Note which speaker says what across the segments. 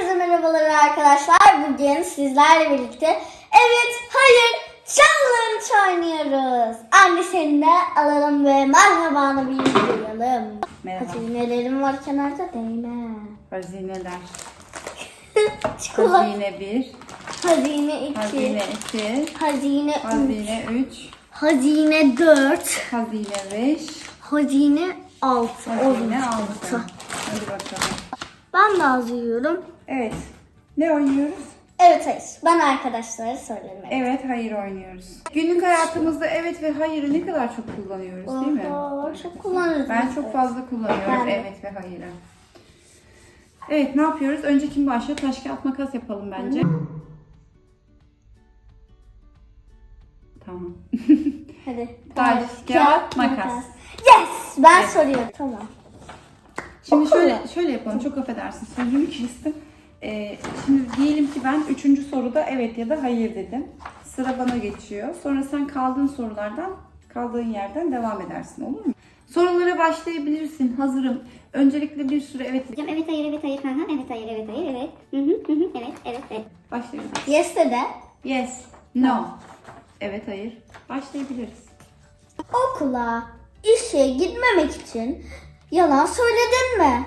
Speaker 1: Herkese merhabalar arkadaşlar. Bugün sizlerle birlikte evet, hayır challenge oynuyoruz. Anne seni de alalım ve merhabanı bir duyalım.
Speaker 2: Merhaba.
Speaker 1: Hazinelerim var kenarda değme.
Speaker 2: Hazineler.
Speaker 1: Çikolata.
Speaker 2: Hazine 1,
Speaker 1: Hazine 2.
Speaker 2: hazine 2,
Speaker 1: Hazine 3.
Speaker 2: hazine 3,
Speaker 1: Hazine 4.
Speaker 2: hazine 5,
Speaker 1: Hazine 6.
Speaker 2: hazine 6. Hadi bakalım.
Speaker 1: Ben de yazıyorum.
Speaker 2: Evet. Ne oynuyoruz?
Speaker 1: Evet, hayır. Ben arkadaşlara söylerim.
Speaker 2: Evet, hayır oynuyoruz. Günlük hayatımızda evet ve hayırı ne kadar çok kullanıyoruz değil mi?
Speaker 1: Oho, çok kullanırız.
Speaker 2: Ben çok fazla kullanıyorum
Speaker 1: Ben de.
Speaker 2: evet ve hayırı. Evet, ne yapıyoruz? Önce kim başlıyor? Taş kağıt makas yapalım bence. Tamam.
Speaker 1: Hadi.
Speaker 2: Taş, kağıt, makas.
Speaker 1: Yes! Ben
Speaker 2: Evet.
Speaker 1: soruyorum. Tamam.
Speaker 2: Şimdi
Speaker 1: Okula.
Speaker 2: şöyle yapalım. Çok affedersin. Sözümü kestim. Şimdi diyelim ki ben 3. soruda evet ya da hayır dedim. Sıra bana geçiyor. Sonra sen kaldığın yerden devam edersin. Olur mu? Sorulara başlayabilirsin. Hazırım. Öncelikle bir sürü evet
Speaker 3: Hocam evet hayır evet hayır. Hı hı, evet hayır evet hayır evet. Hı hı, hı hı, evet evet evet.
Speaker 2: başlayabiliriz.
Speaker 1: Yes de.
Speaker 2: Yes, no. Evet, hayır. Başlayabiliriz.
Speaker 1: Okula, işe gitmemek için yalan söyledin mi?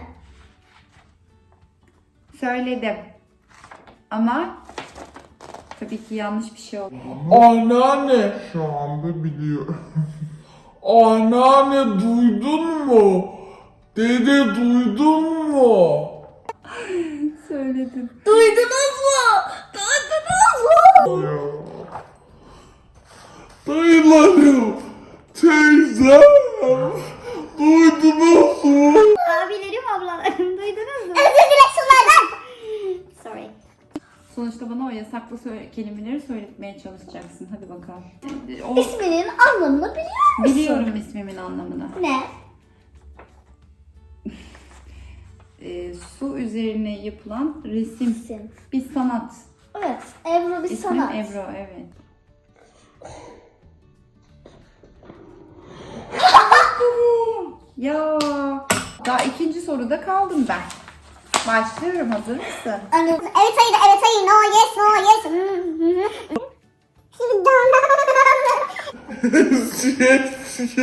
Speaker 2: Söyledim. Ama tabii ki yanlış bir şey oldu.
Speaker 4: Anneanne şu anda biliyor. Anneanne duydun mu? Dede duydun mu?
Speaker 2: Söyledim.
Speaker 1: Duydunuz mu? Duydunuz mu?
Speaker 4: Ya. Dayılarım, teyzem, duydunuz mu?
Speaker 3: Abilerim ablalarım duydunuz mu?
Speaker 1: Özür dile şunlardan.
Speaker 3: Sorry.
Speaker 2: Sonuçta bana o yasaklı kelimeleri söyletmeye çalışacaksın. Hadi bakalım. O,
Speaker 1: İsminin anlamını biliyor musun?
Speaker 2: biliyorum ismimin anlamını.
Speaker 1: Ne?
Speaker 2: Su üzerine yapılan resim.
Speaker 1: İsim.
Speaker 2: Bir sanat.
Speaker 1: Evet. Ebru bir
Speaker 2: İsmim
Speaker 1: sanat.
Speaker 2: Ebru, evet. Ya daha 2. soruda kaldım ben. Başlıyorum, hazır mısın?
Speaker 1: Anne,
Speaker 3: Evet hayır evet hayır no yes no yes. Hı hı, hı.
Speaker 4: Yes,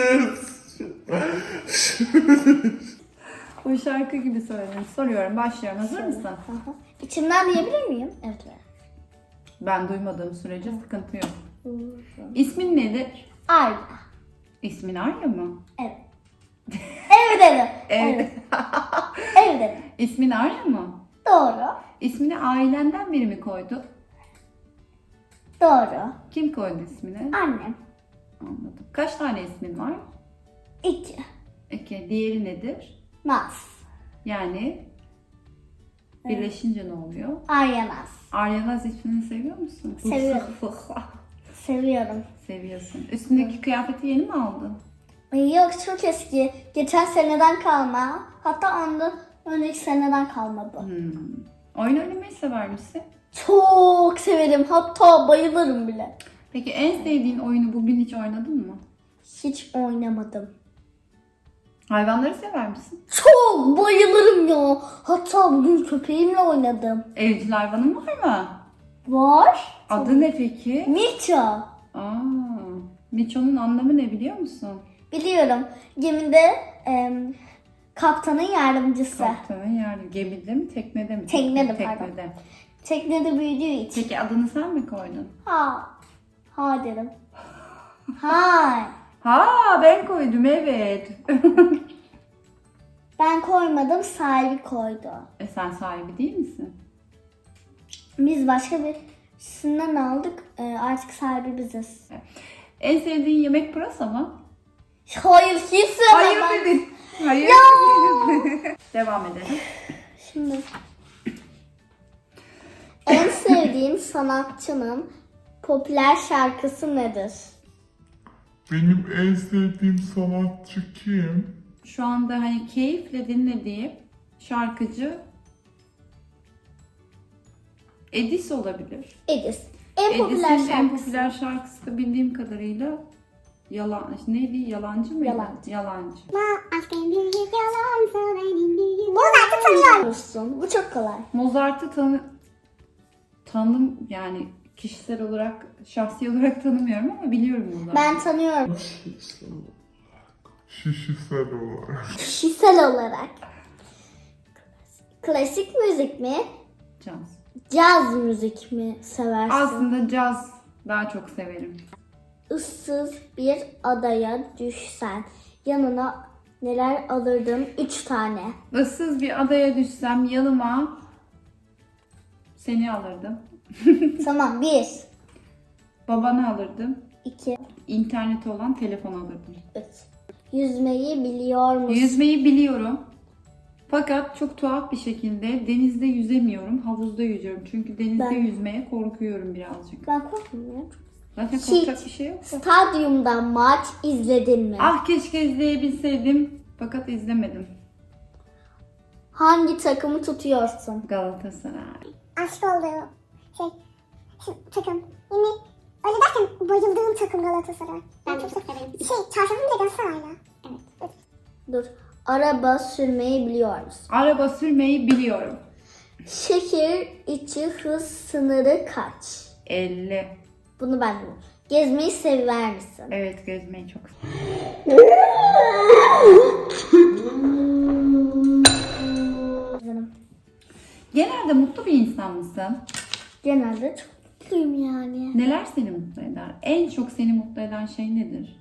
Speaker 4: yes.
Speaker 2: O şarkı gibi söyledim. Soruyorum, başlıyorum. Hazır mısın?
Speaker 1: İçimden diyebilir miyim? Evet.
Speaker 2: Ben duymadığım sürece sıkıntı yok. İsmin nedir?
Speaker 1: Arda.
Speaker 2: İsmin Arya mı?
Speaker 1: Evet. Evet dedim.
Speaker 2: Evet.
Speaker 1: Evet dedim.
Speaker 2: İsmin Arya mı?
Speaker 1: Doğru.
Speaker 2: İsmini ailenden biri mi koydu?
Speaker 1: Doğru.
Speaker 2: Kim koydu ismini?
Speaker 1: Annem.
Speaker 2: Anladım. Kaç tane ismin var?
Speaker 1: 2.
Speaker 2: 2. Diğeri nedir?
Speaker 1: Naz.
Speaker 2: Yani birleşince ne oluyor?
Speaker 1: Aryanaz.
Speaker 2: Aryanaz ismini seviyor musun?
Speaker 1: Seviyorum. Seviyorum.
Speaker 2: Seviyorsun. Üstündeki kıyafeti yeni mi aldın?
Speaker 1: Ay yok, çok eski. Geçen seneden kalma. Hatta ondan önceki seneden kalma bu.
Speaker 2: Oyun oynamayı sever misin?
Speaker 1: Çok severim. Hatta bayılırım bile.
Speaker 2: Peki en sevdiğin oyunu bugün hiç oynadın mı?
Speaker 1: Hiç oynamadım.
Speaker 2: Hayvanları sever misin?
Speaker 1: Çok bayılırım ya. Hatta bugün köpeğimle oynadım.
Speaker 2: Evcil hayvanın var mı?
Speaker 1: Var.
Speaker 2: Adı ne peki?
Speaker 1: Mirça.
Speaker 2: Aa, Miço'nun anlamı ne biliyor musun?
Speaker 1: Biliyorum. Gemide kaptanın yardımcısı.
Speaker 2: Kaptanın yani gemide mi, teknede mi?
Speaker 1: Teknede, pardon.
Speaker 2: Teknede.
Speaker 1: Teknede büyüdüğü için.
Speaker 2: Peki adını sen mi koydun?
Speaker 1: Ha derim. Hay.
Speaker 2: Ha, ben koydum, evet.
Speaker 1: Ben koymadım, sahibi koydu.
Speaker 2: Sen sahibi değil misin?
Speaker 1: Biz başka birisinden aldık. Artık sahibi biziz.
Speaker 2: En sevdiğin yemek pırasa mı?
Speaker 1: Hayır, hiç sevmem.
Speaker 2: Hayır dedin. Hayır. Devam edelim.
Speaker 1: Şimdi. En sevdiğim sanatçının popüler şarkısı nedir?
Speaker 4: Benim en sevdiğim sanatçı kim?
Speaker 2: Şu anda hani keyifle dinlediğim şarkıcı Edis olabilir.
Speaker 1: Edis. En popüler
Speaker 2: Edis'in en
Speaker 1: şarkısı.
Speaker 2: popüler şarkısı da bildiğim kadarıyla neydi? Yalancı mıydı?
Speaker 1: Yalancı.
Speaker 2: Yalancı.
Speaker 3: Aşkın büyük yalan söyledim büyük. Bunu da
Speaker 1: tanıyor musun? Bu çok kolay.
Speaker 2: Mozart'ı yani kişisel olarak, şahsi olarak tanımıyorum ama biliyorum Mozart'ı.
Speaker 1: Ben tanıyorum.
Speaker 4: Şişisel olarak.
Speaker 1: Kişisel olarak. Klasik müzik mi?
Speaker 2: Caz.
Speaker 1: Caz müzik mi seversin?
Speaker 2: Aslında caz daha çok severim.
Speaker 1: Issız bir adaya düşsen yanına neler alırdın? 3 tane.
Speaker 2: Issız bir adaya düşsem yanıma seni alırdım.
Speaker 1: Tamam. 1,
Speaker 2: Babanı alırdım.
Speaker 1: 2,
Speaker 2: İnterneti olan telefon alırdım.
Speaker 1: 3. Yüzmeyi biliyor musun?
Speaker 2: Yüzmeyi biliyorum. Fakat çok tuhaf bir şekilde denizde yüzemiyorum, havuzda yüzüyorum. Çünkü denizde
Speaker 1: Ben-
Speaker 2: yüzmeye korkuyorum birazcık.
Speaker 1: Ben korkmuyorum.
Speaker 2: Zaten
Speaker 1: Hiç.
Speaker 2: korkacak bir şey yok.
Speaker 1: Stadyumda maç izledin mi?
Speaker 2: Ah keşke izleyebilseydim fakat izlemedim.
Speaker 1: Hangi takımı tutuyorsun?
Speaker 2: Galatasaray.
Speaker 3: Aşık olduğum şu takım. Yine öyle derken bayıldığım takım Galatasaray. Ben çok severim. Çarşafım bile Galatasaray'la. Evet.
Speaker 1: Dur. Araba sürmeyi biliyor musun?
Speaker 2: Araba sürmeyi biliyorum.
Speaker 1: Şehir içi hız sınırı kaç?
Speaker 2: 50.
Speaker 1: Bunu ben biliyorum. Gezmeyi sever misin?
Speaker 2: Evet gezmeyi çok seviyorum.
Speaker 1: Canım.
Speaker 2: Genelde mutlu bir insan mısın?
Speaker 1: Genelde çok mutluyum yani.
Speaker 2: Neler seni mutlu eder? En çok seni mutlu eden şey nedir?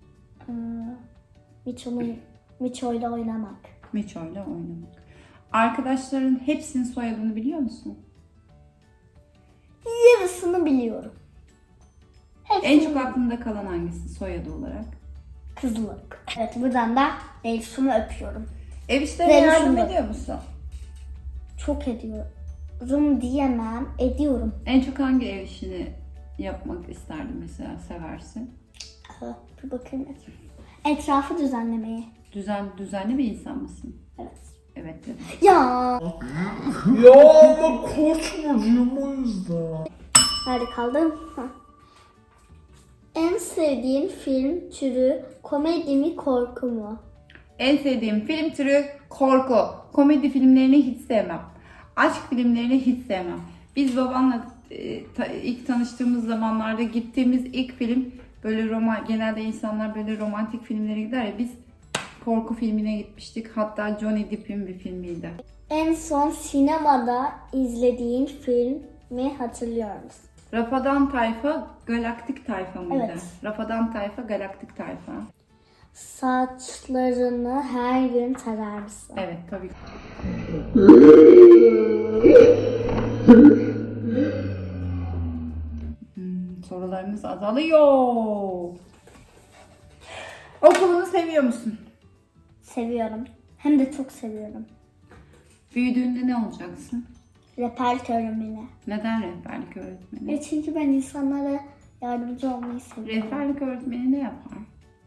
Speaker 1: Miço'yla oynamak.
Speaker 2: Miço'yla oynamak. Arkadaşların hepsinin soyadını biliyor musun?
Speaker 1: Yarısını biliyorum. Hepsini
Speaker 2: En çok aklında kalan hangisi soyadı olarak?
Speaker 1: Kızılık. Evet, buradan da Elif'imi öpüyorum.
Speaker 2: Ev işlerine
Speaker 1: Benim
Speaker 2: yardım
Speaker 1: şimdi.
Speaker 2: ediyor musun?
Speaker 1: Çok ediyorum diyemem. Ediyorum.
Speaker 2: En çok hangi ev işini yapmak isterdin mesela, seversin?
Speaker 1: Bir bakayım. Etrafı düzenlemeyi.
Speaker 2: Düzenli bir insan mısın?
Speaker 1: Evet.
Speaker 2: Evet dedim.
Speaker 1: Ya.
Speaker 4: Ya ama koç burcuyum o yüzden.
Speaker 1: Nerede kaldım? En sevdiğin film türü komedi mi korku mu?
Speaker 2: En sevdiğim film türü korku. Komedi filmlerini hiç sevmem. Aşk filmlerini hiç sevmem. Biz babanla ilk tanıştığımız zamanlarda gittiğimiz ilk film böyle genelde insanlar böyle romantik filmlere gider ya, biz korku filmine gitmiştik. Hatta Johnny Depp'in bir filmiydi.
Speaker 1: En son sinemada izlediğin filmi hatırlıyor musun?
Speaker 2: Rafadan Tayfa Galaktik Tayfa mıydı?
Speaker 1: Evet.
Speaker 2: Rafadan Tayfa Galaktik Tayfa.
Speaker 1: Saçlarını her gün tarar mısın?
Speaker 2: Evet tabii. Sorularımız azalıyor. Okulunu seviyor musun?
Speaker 1: Seviyorum. Hem de çok seviyorum.
Speaker 2: Büyüdüğünde ne olacaksın?
Speaker 1: Rehberlik öğretmeni.
Speaker 2: Neden rehberlik öğretmeni?
Speaker 1: Çünkü ben insanlara yardımcı olmayı seviyorum.
Speaker 2: Rehberlik öğretmeni ne yapar?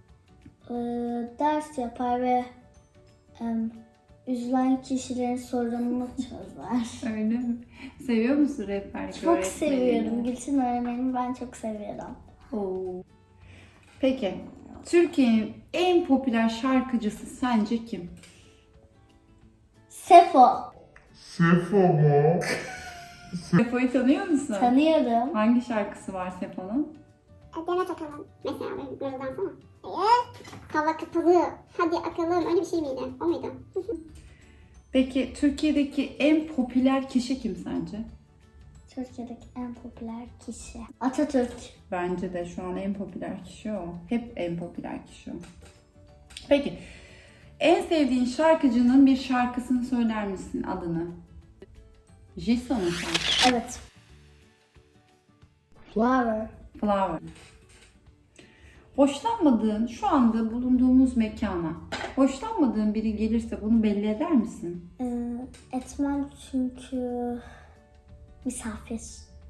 Speaker 1: Ders yapar ve üzülen kişilerin sorununu çözer.
Speaker 2: Öyle mi? Seviyor musun rehberlik
Speaker 1: Çok
Speaker 2: öğretmenini?
Speaker 1: seviyorum. Gülçin öğretmenimi ben çok seviyorum.
Speaker 2: Oo. Peki, Türkiye'nin en popüler şarkıcısı sence kim?
Speaker 1: Sefo.
Speaker 4: Sefo mu?
Speaker 2: Sefo'yu tanıyor musun?
Speaker 1: Tanıyorum.
Speaker 2: Hangi şarkısı var Sefo'nun?
Speaker 3: Demet Akalın. Mesela benim mırıldansana. Hava kapalı. Hadi akalım. Öyle bir şey miydi? O muydu?
Speaker 2: Peki Türkiye'deki en popüler kişi kim sence?
Speaker 1: Türkiye'deki en popüler kişi. Atatürk.
Speaker 2: Bence de şu an en popüler kişi o. Hep en popüler kişi o. Peki, en sevdiğin şarkıcının bir şarkısını söyler misin, adını? Jisoo şarkı.
Speaker 1: Evet. Flower.
Speaker 2: Flower. Hoşlanmadığın, şu anda bulunduğumuz mekana hoşlanmadığın biri gelirse bunu belli eder misin?
Speaker 1: Etmem çünkü misafir.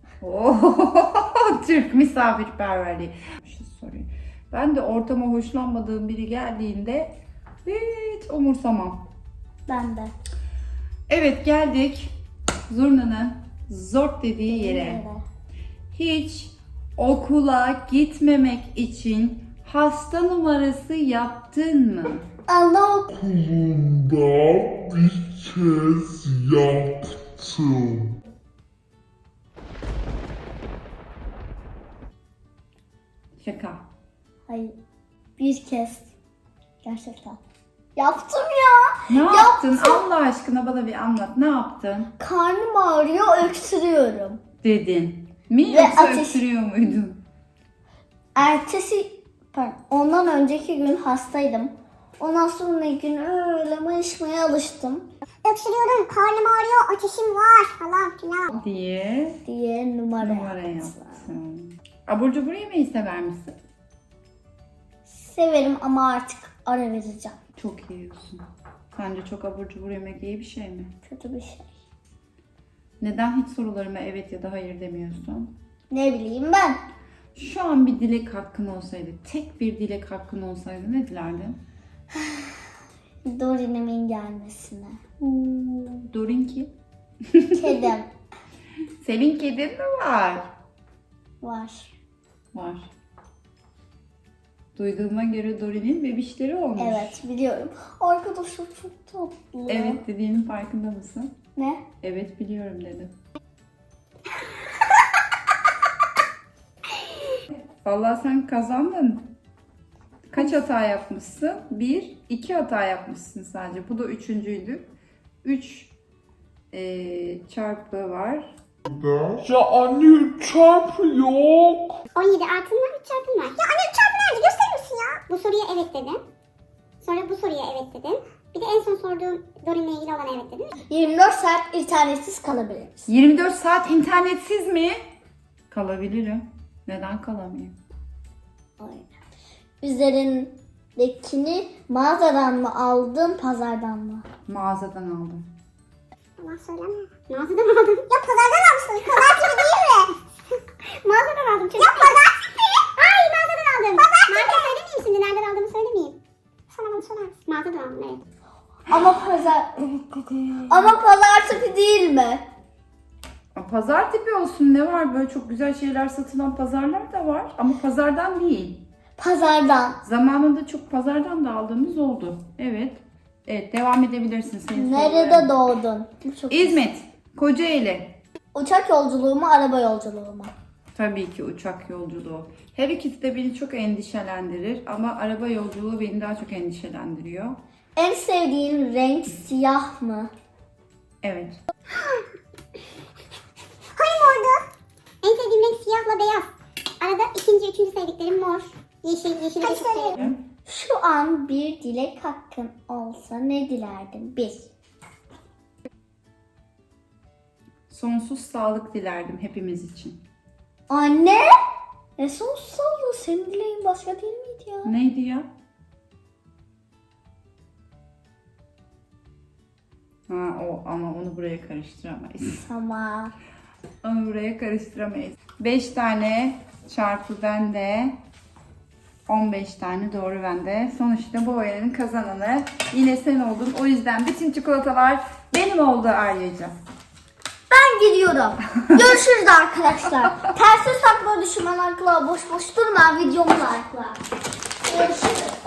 Speaker 2: Türk misafirperverliği. Bir şey sorayım. Ben de ortama hoşlanmadığım biri geldiğinde hiç umursamam.
Speaker 1: Ben de.
Speaker 2: Evet, geldik zurnanın zort dediği yere.
Speaker 1: Evet.
Speaker 2: Hiç okula gitmemek için hasta numarası yaptın mı?
Speaker 1: Allah
Speaker 4: Okulunda bir kez yaptım.
Speaker 2: Şaka.
Speaker 1: Hayır. Bir kez. Gerçekten. Yaptım ya.
Speaker 2: Ne yaptın? Allah aşkına bana bir anlat. Ne yaptın?
Speaker 1: Karnım ağrıyor, öksürüyorum.
Speaker 2: Dedin. Mi
Speaker 1: Ve
Speaker 2: yoksa
Speaker 1: ateş-
Speaker 2: öksürüyor muydun?
Speaker 1: Ondan önceki gün hastaydım. Ondan sonraki gün öyle mayışmaya alıştım
Speaker 3: Öksürüyorum, karnım ağrıyor, ateşim var falan filan.
Speaker 1: diye numara yaptım.
Speaker 2: yaptın. Abur cubur yemeyi sever misin?
Speaker 1: Severim ama artık ara vereceğim.
Speaker 2: Çok yiyorsun. Sence çok abur cubur yemek iyi bir şey mi?
Speaker 1: Kötü bir şey.
Speaker 2: Neden hiç sorularıma evet ya da hayır demiyorsun?
Speaker 1: Ne bileyim ben.
Speaker 2: Şu an bir dilek hakkın olsaydı, tek bir dilek hakkın olsaydı ne dilerdin?
Speaker 1: Dorin'imin gelmesine.
Speaker 2: Dorin kim?
Speaker 1: Kedim
Speaker 2: Senin kedin mi var?
Speaker 1: var.
Speaker 2: Var. Duyduğuma göre Dorin'in bebişleri olmuş.
Speaker 1: Evet biliyorum. Arkadaşlar çok tatlı.
Speaker 2: Evet dediğinin farkında mısın?
Speaker 1: Ne?
Speaker 2: Evet biliyorum dedim. Vallahi sen kazandın. Kaç hata yapmışsın? 1, 2 hata yapmışsın sadece. Bu da üçüncüydü. 3 çarpı var.
Speaker 4: Ya anne çarpı yok.
Speaker 3: 17 artın var, 3 çarpın var. Ya anne 3 çarpı nerede? Gösterir misin ya? Bu soruya evet dedin. Sonra bu soruya evet dedin. Bir de en son sorduğum Dorin'le ilgili olan evet dedin.
Speaker 1: 24 saat internetsiz kalabiliriz.
Speaker 2: 24 saat internetsiz mi? Kalabilirim. Neden kalamayayım?
Speaker 1: Aynen. Üzerindekini mağazadan mı aldın, pazardan mı?
Speaker 2: Mağazadan aldım.
Speaker 3: Allah söyleme. Mağazadan aldım. Ya pazardan almışsın. Pazar tipi değil mi? Mağazadan aldım çocuk. Ya pazar tipi. Ay mağazadan aldım. Pazar tipi. Marka söylemeyeyim şimdi. Nereden aldığımı söylemeyeyim. Sana bunu sorar mısın? Mağazadan aldım evet.
Speaker 1: Ama pazar tipi değil mi?
Speaker 2: Pazar tipi olsun ne var? Böyle çok güzel şeyler satılan pazarlar da var. Ama pazardan değil.
Speaker 1: Pazardan.
Speaker 2: Zamanında çok pazardan da aldığımız oldu. Evet. Evet devam edebilirsin. Senin
Speaker 1: Nerede
Speaker 2: soruların.
Speaker 1: doğdun? Çok
Speaker 2: İzmit. Kocaeli.
Speaker 1: Uçak yolculuğu mu, araba yolculuğu mu?
Speaker 2: Tabii ki uçak yolculuğu. Her ikisi de beni çok endişelendirir ama araba yolculuğu beni daha çok endişelendiriyor.
Speaker 1: En sevdiğin renk siyah mı?
Speaker 2: Evet.
Speaker 3: Hayır mordu. En sevdiğim renk siyahla beyaz. Arada ikinci, üçüncü sevdiklerim mor. Yeşil, yeşil. Hadi söyle.
Speaker 1: Şu an bir dilek hakkın olsa ne dilerdin? 1.
Speaker 2: Sonsuz sağlık dilerdim hepimiz için.
Speaker 1: Anne! Ne sonsuz sağlığı? Senin dileğin başka değil miydi ya?
Speaker 2: Neydi ya? Ha o ama onu buraya karıştıramayız.
Speaker 1: Tamam.
Speaker 2: Onu buraya karıştıramayız. 5 tane çarpı bende. 15 tane doğru bende. Sonuçta bu oyunun kazananı yine sen oldun. O yüzden bütün çikolatalar benim oldu Arya'cığım.
Speaker 1: Ben gidiyorum. Görüşürüz arkadaşlar. Tersi sakla düşman akla boş boş durma videomu akla. Görüşürüz.